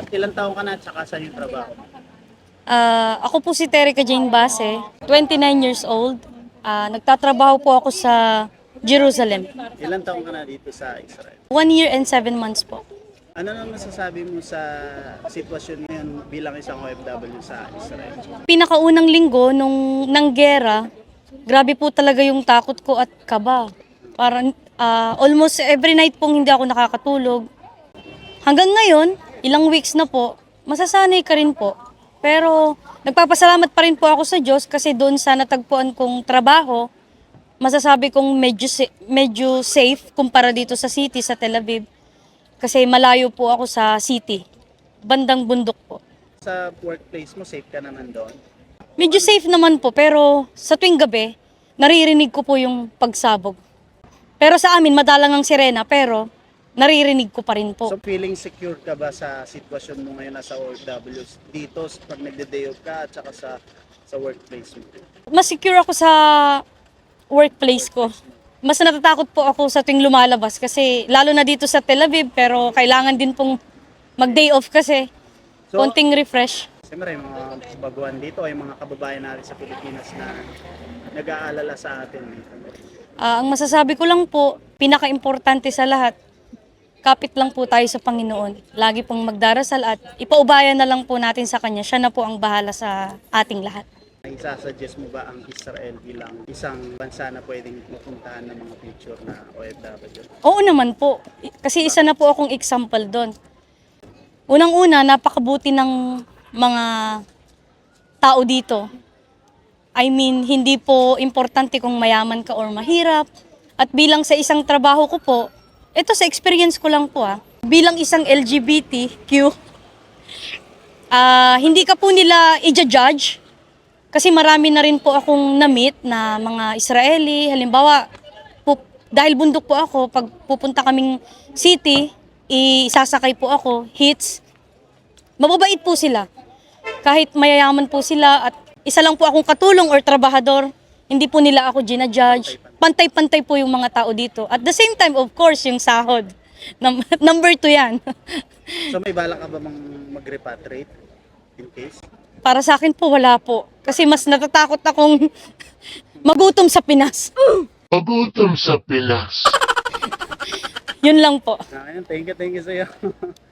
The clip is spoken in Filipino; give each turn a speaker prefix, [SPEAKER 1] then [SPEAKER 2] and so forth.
[SPEAKER 1] Ilang taong ka na at saka saan yung trabaho mo?
[SPEAKER 2] Ako po si Terica Jane Base, 29 years old. Nagtatrabaho po ako sa Jerusalem.
[SPEAKER 1] Ilang taong ka na dito sa Israel?
[SPEAKER 2] 1 year and 7 months po.
[SPEAKER 1] Ano naman masasabi mo sa sitwasyon ngayon bilang isang OFW sa Israel?
[SPEAKER 2] Pinakaunang linggo ng gera, grabe po talaga yung takot ko at kaba. Parang almost every night pong hindi ako nakakatulog. Hanggang ngayon, ilang weeks na po, masasanay ka rin po. Pero nagpapasalamat pa rin po ako sa Diyos kasi doon sa natagpuan kong trabaho, masasabi kong medyo safe kumpara dito sa city, sa Tel Aviv. Kasi malayo po ako sa city, bandang bundok po.
[SPEAKER 1] Sa workplace mo, safe ka naman doon?
[SPEAKER 2] Medyo safe naman po, pero sa tuwing gabi, naririnig ko po yung pagsabog. Pero sa amin, madalang ang sirena, pero naririnig ko pa rin po.
[SPEAKER 1] So feeling secure ka ba sa sitwasyon mo ngayon nasa OFW dito pag nagde-day off ka at saka sa workplace mo?
[SPEAKER 2] Mas secure ako sa workplace ko. Mas natatakot po ako sa tuwing lumalabas kasi lalo na dito sa Tel Aviv, pero kailangan din pong mag-day off kasi
[SPEAKER 1] So,
[SPEAKER 2] konting refresh.
[SPEAKER 1] siyempre, yung mga baguhan dito ay mga kababayan natin sa Pilipinas na nag-aalala sa atin.
[SPEAKER 2] Ang masasabi ko lang po, pinaka-importante sa lahat, kapit lang po tayo sa Panginoon. Lagi pong magdarasal at ipaubayan na lang po natin sa Kanya. Siya na po ang bahala sa ating lahat.
[SPEAKER 1] Isasuggest mo ba ang Israel bilang isang bansa na pwedeng mapuntahan ng mga future na OFW?
[SPEAKER 2] Oo naman po, kasi isa na po akong example doon. Unang-una, napakabuti ng mga tao dito. I mean, hindi po importante kung mayaman ka or mahirap. At bilang sa isang trabaho ko po, ito sa experience ko lang po bilang isang LGBTQ, hindi ka po nila i-judge. Kasi marami na rin po akong na-meet na mga Israeli. Halimbawa, dahil bundok po ako, pag pupunta kaming city, isasakay po ako, hits. Mababait po sila. Kahit mayayaman po sila at isa lang po akong katulong or trabahador, hindi po nila ako ginajudge. Pantay-pantay po yung mga tao dito. At the same time, of course, yung sahod. Number 2 yan.
[SPEAKER 1] So may balak ka ba mag-repatriate in case?
[SPEAKER 2] Para sa akin po, wala po. Kasi mas natatakot akong magutom sa Pinas.
[SPEAKER 3] Pagutom sa Pinas.
[SPEAKER 2] Yun lang po.
[SPEAKER 1] Thank you sa'yo.